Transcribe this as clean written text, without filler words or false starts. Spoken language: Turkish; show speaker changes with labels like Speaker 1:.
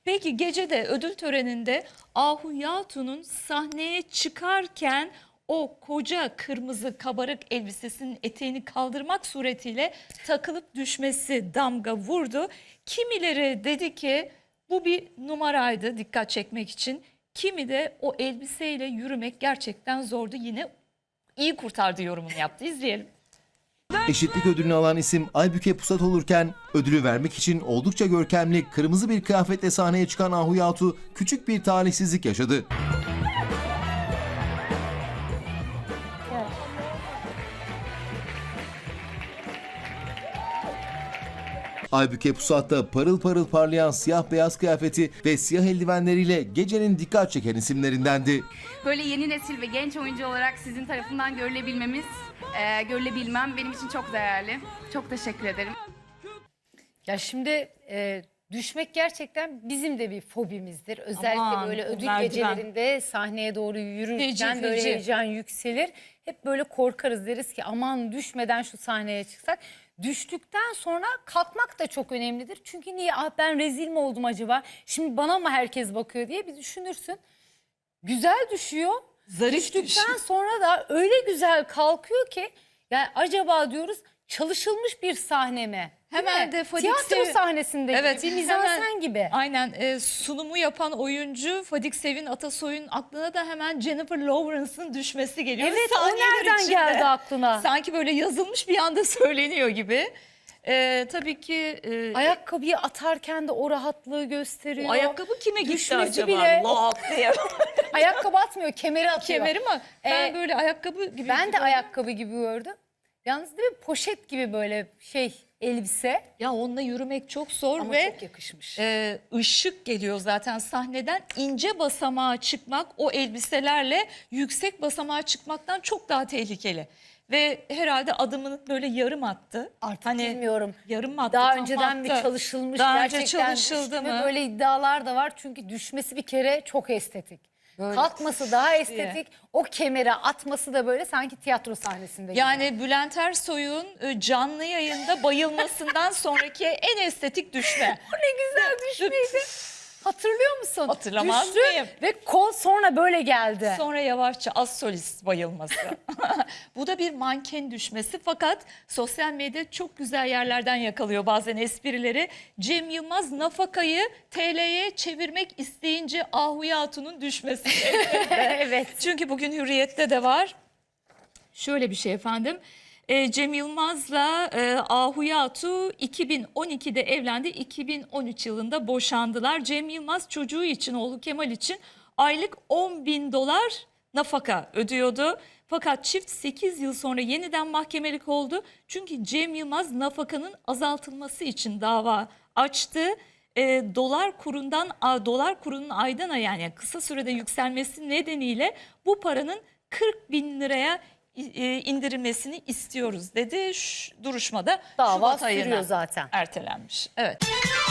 Speaker 1: Peki gecede ödül töreninde Ahu Yatun'un sahneye çıkarken o koca kırmızı kabarık elbisesinin eteğini kaldırmak suretiyle takılıp düşmesi damga vurdu. Kimileri dedi ki bu bir numaraydı dikkat çekmek için. Kimi de o elbiseyle yürümek gerçekten zordu. Yine iyi kurtardı yorumunu yaptı. İzleyelim.
Speaker 2: Eşitlik ödülünü alan isim Aybüke Pusat olurken ödülü vermek için oldukça görkemli kırmızı bir kıyafetle sahneye çıkan Ahu Yatu küçük bir talihsizlik yaşadı. Aybüke Pusat da parıl parıl parlayan siyah beyaz kıyafeti ve siyah eldivenleriyle gecenin dikkat çeken isimlerindendi.
Speaker 3: Böyle yeni nesil ve genç oyuncu olarak sizin tarafından görülebilmem benim için çok değerli. Çok teşekkür ederim.
Speaker 4: Ya şimdi düşmek gerçekten bizim de bir fobimizdir. Özellikle
Speaker 1: Aman,
Speaker 4: böyle ödül
Speaker 1: merdiven.
Speaker 4: gecelerinde sahneye doğru yürürken
Speaker 1: Feci,
Speaker 4: böyle
Speaker 1: feci.
Speaker 4: heyecan yükselir. Hep böyle korkarız, deriz ki aman düşmeden şu sahneye çıksak. Düştükten sonra kalkmak da çok önemlidir. Çünkü niye ben rezil mi oldum acaba? Şimdi bana mı herkes bakıyor diye bir düşünürsün. Güzel düşüyor.
Speaker 1: Zarif
Speaker 4: Düştükten
Speaker 1: düşüyor.
Speaker 4: sonra da öyle güzel kalkıyor ki yani acaba diyoruz çalışılmış bir sahne mi? Değil
Speaker 1: Hemen
Speaker 4: mi?
Speaker 1: de Fadik
Speaker 4: Tiyatro
Speaker 1: Sev-
Speaker 4: sahnesinde
Speaker 1: Evet,
Speaker 4: gibi, bir
Speaker 1: hemen-
Speaker 4: mizansen gibi.
Speaker 1: Aynen sunumu yapan oyuncu Fadik Sevin Atasoy'un aklına da hemen Jennifer Lawrence'ın düşmesi geliyor.
Speaker 4: Evet, o
Speaker 1: Saniyeler
Speaker 4: nereden
Speaker 1: içinde.
Speaker 4: geldi aklına?
Speaker 1: Sanki böyle yazılmış bir anda söyleniyor gibi. Tabii ki
Speaker 4: Ayakkabıyı atarken de o rahatlığı gösteriyor.
Speaker 1: o ayakkabı kime gitti
Speaker 4: Düşmesi
Speaker 1: acaba?
Speaker 4: bile-
Speaker 1: Lak diye.
Speaker 4: Ayakkabı atmıyor, kemeri atıyor.
Speaker 1: Kemeri mi? Ben
Speaker 4: Ee,
Speaker 1: böyle ayakkabı gibi.
Speaker 4: Ben de ayakkabı gibi gördüm. Yalnız değil mi, poşet gibi böyle elbise.
Speaker 1: Ya onunla yürümek çok zor
Speaker 4: Ama
Speaker 1: ve
Speaker 4: çok yakışmış.
Speaker 1: ışık geliyor zaten sahneden. İnce basamağa çıkmak o elbiselerle yüksek basamağa çıkmaktan çok daha tehlikeli. Ve herhalde adımını böyle yarım attı.
Speaker 4: Artık
Speaker 1: Hani
Speaker 4: bilmiyorum.
Speaker 1: yarım mı attı?
Speaker 4: Daha
Speaker 1: tam
Speaker 4: önceden mi
Speaker 1: attı?
Speaker 4: çalışılmış,
Speaker 1: Daha önce
Speaker 4: gerçekten
Speaker 1: çalışıldı
Speaker 4: düştü mü?
Speaker 1: mı?
Speaker 4: Böyle iddialar da var çünkü düşmesi bir kere çok estetik.
Speaker 1: Böyle
Speaker 4: Kalkması daha estetik. O kemere atması da böyle sanki tiyatro sahnesinde gibi.
Speaker 1: Yani Bülent Ersoy'un canlı yayında bayılmasından sonraki en estetik düşme.
Speaker 4: O ne güzel düşmeydi. Hatırlıyor musun?
Speaker 1: Hatırlamaz
Speaker 4: Düştü
Speaker 1: mıyım?
Speaker 4: ve kol sonra böyle geldi.
Speaker 1: Sonra yavaşça az solist bayılması. Bu da bir manken düşmesi fakat sosyal medya çok güzel yerlerden yakalıyor bazen esprileri. Cem Yılmaz nafakayı TL'ye çevirmek isteyince Ahu Yatun'un düşmesi.
Speaker 4: Evet.
Speaker 1: Çünkü bugün Hürriyet'te de var. Şöyle bir şey efendim. Cem Yılmaz'la Ahu Yatu 2012'de evlendi. 2013 yılında boşandılar. Cem Yılmaz çocuğu için, oğlu Kemal için aylık $10.000 nafaka ödüyordu. Fakat çift 8 yıl sonra yeniden mahkemelik oldu. Çünkü Cem Yılmaz nafakanın azaltılması için dava açtı. Dolar kurunun aydan aya yani kısa sürede yükselmesi nedeniyle bu paranın 40.000 liraya indirilmesini istiyoruz dedi. Duruşmada
Speaker 4: Dava
Speaker 1: Şubat ayına
Speaker 4: sürüyor zaten.
Speaker 1: ertelenmiş. Evet.